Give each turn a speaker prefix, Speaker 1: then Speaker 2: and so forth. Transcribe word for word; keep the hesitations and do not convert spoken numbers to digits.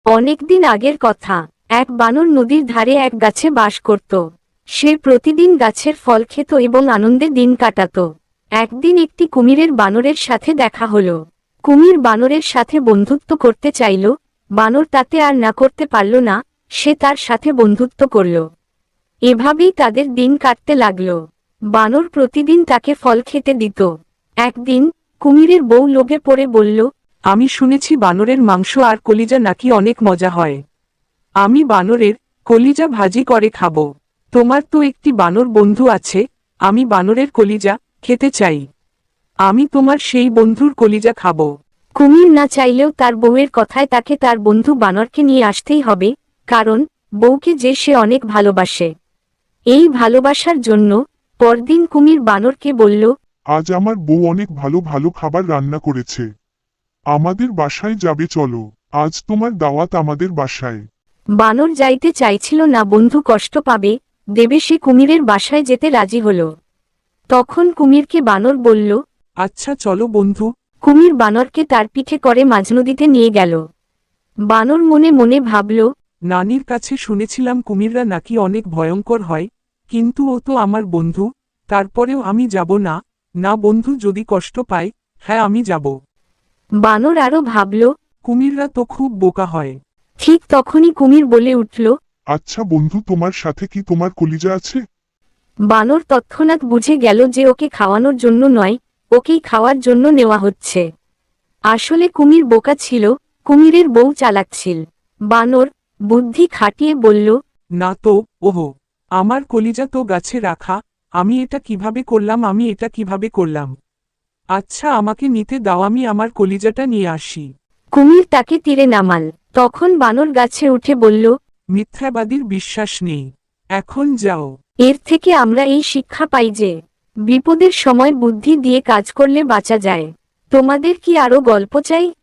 Speaker 1: অনেকদিন আগের কথা। এক বানর নদীর ধারে এক গাছে বাস করত। সে প্রতিদিন গাছের ফল খেত এবং আনন্দে দিন কাটাত। একদিন একটি কুমিরের বানরের সাথে দেখা হলো। কুমির বানরের সাথে বন্ধুত্ব করতে চাইল। বানর তাতে আর না করতে পারল না, সে তার সাথে বন্ধুত্ব করল। এভাবেই তাদের দিন কাটতে লাগল। বানর প্রতিদিন তাকে ফল খেতে দিত। একদিন কুমিরের বউ লোভে পড়ে বলল,
Speaker 2: আমি শুনেছি বানরের মাংস আর কলিজা নাকি অনেক মজা হয়। আমি বানরের কলিজা ভাজি করে খাবো। তোমার তো একটি বানর বন্ধু আছে, আমি বানরের কলিজা খেতে চাই। আমি তোমার সেই বন্ধুর কলিজা খাবো।
Speaker 1: কুমির না চাইলেও তার বউয়ের কথায় তাকে তার বন্ধু বানরকে নিয়ে আসতেই হবে, কারণ বউকে যে সে অনেক ভালোবাসে। এই ভালোবাসার জন্য পরদিন কুমির বানরকে বলল,
Speaker 3: আজ আমার বউ অনেক ভালো ভালো খাবার রান্না করেছে। আমাদের বাসায় যাবে চলো, আজ তোমার দাওয়াত আমাদের বাসায়।
Speaker 1: বানর যাইতে চাইছিল না, বন্ধু কষ্ট পাবে দেবে, সে কুমিরের বাসায় যেতে রাজি হল। তখন কুমিরকে বানর বলল,
Speaker 2: আচ্ছা চলো বন্ধু।
Speaker 1: কুমির বানরকে তার পিঠে করে মাঝনদীতে নিয়ে গেল। বানর মনে মনে ভাবল,
Speaker 2: নানির কাছে শুনেছিলাম কুমিররা নাকি অনেক ভয়ঙ্কর হয়, কিন্তু ও তো আমার বন্ধু, তারপরেও আমি যাব না। না, বন্ধু যদি কষ্ট পায়, হ্যাঁ আমি যাব।
Speaker 1: বানর আরো ভাবল।
Speaker 2: কুমিররা তো খুব বোকা হয়।
Speaker 1: ঠিক তখনই কুমির বলে উঠল,
Speaker 3: আচ্ছা বন্ধু, তোমার সাথে কি তোমার কলিজা আছে?
Speaker 1: বানর তৎক্ষণাৎ বুঝে গেল যে ওকে খাওয়ানোর জন্য নয়, ওকেই খাওয়ার জন্য নেওয়া হচ্ছে। আসলে কুমির বোকা ছিল, কুমিরের বউ চালাক ছিল। বানর বুদ্ধি খাটিয়ে বলল,
Speaker 2: না তো, ওহো, আমার কলিজা তো গাছে রাখা, আমি এটা কিভাবে করলাম আমি এটা কিভাবে করলাম আচ্ছা আমাকে নিতে দাও, আমি আমার কলিজাটা নিয়ে আসি।
Speaker 1: কুমির তাকে তীরে নামাল। তখন বানর গাছে উঠে বলল,
Speaker 2: মিথ্যাবাদীর বিশ্বাস নেই, এখন যাও।
Speaker 1: এর থেকে আমরা এই শিক্ষা পাই যে বিপদের সময় বুদ্ধি দিয়ে কাজ করলে বাঁচা যায়। তোমাদের কি আরো গল্প চাই?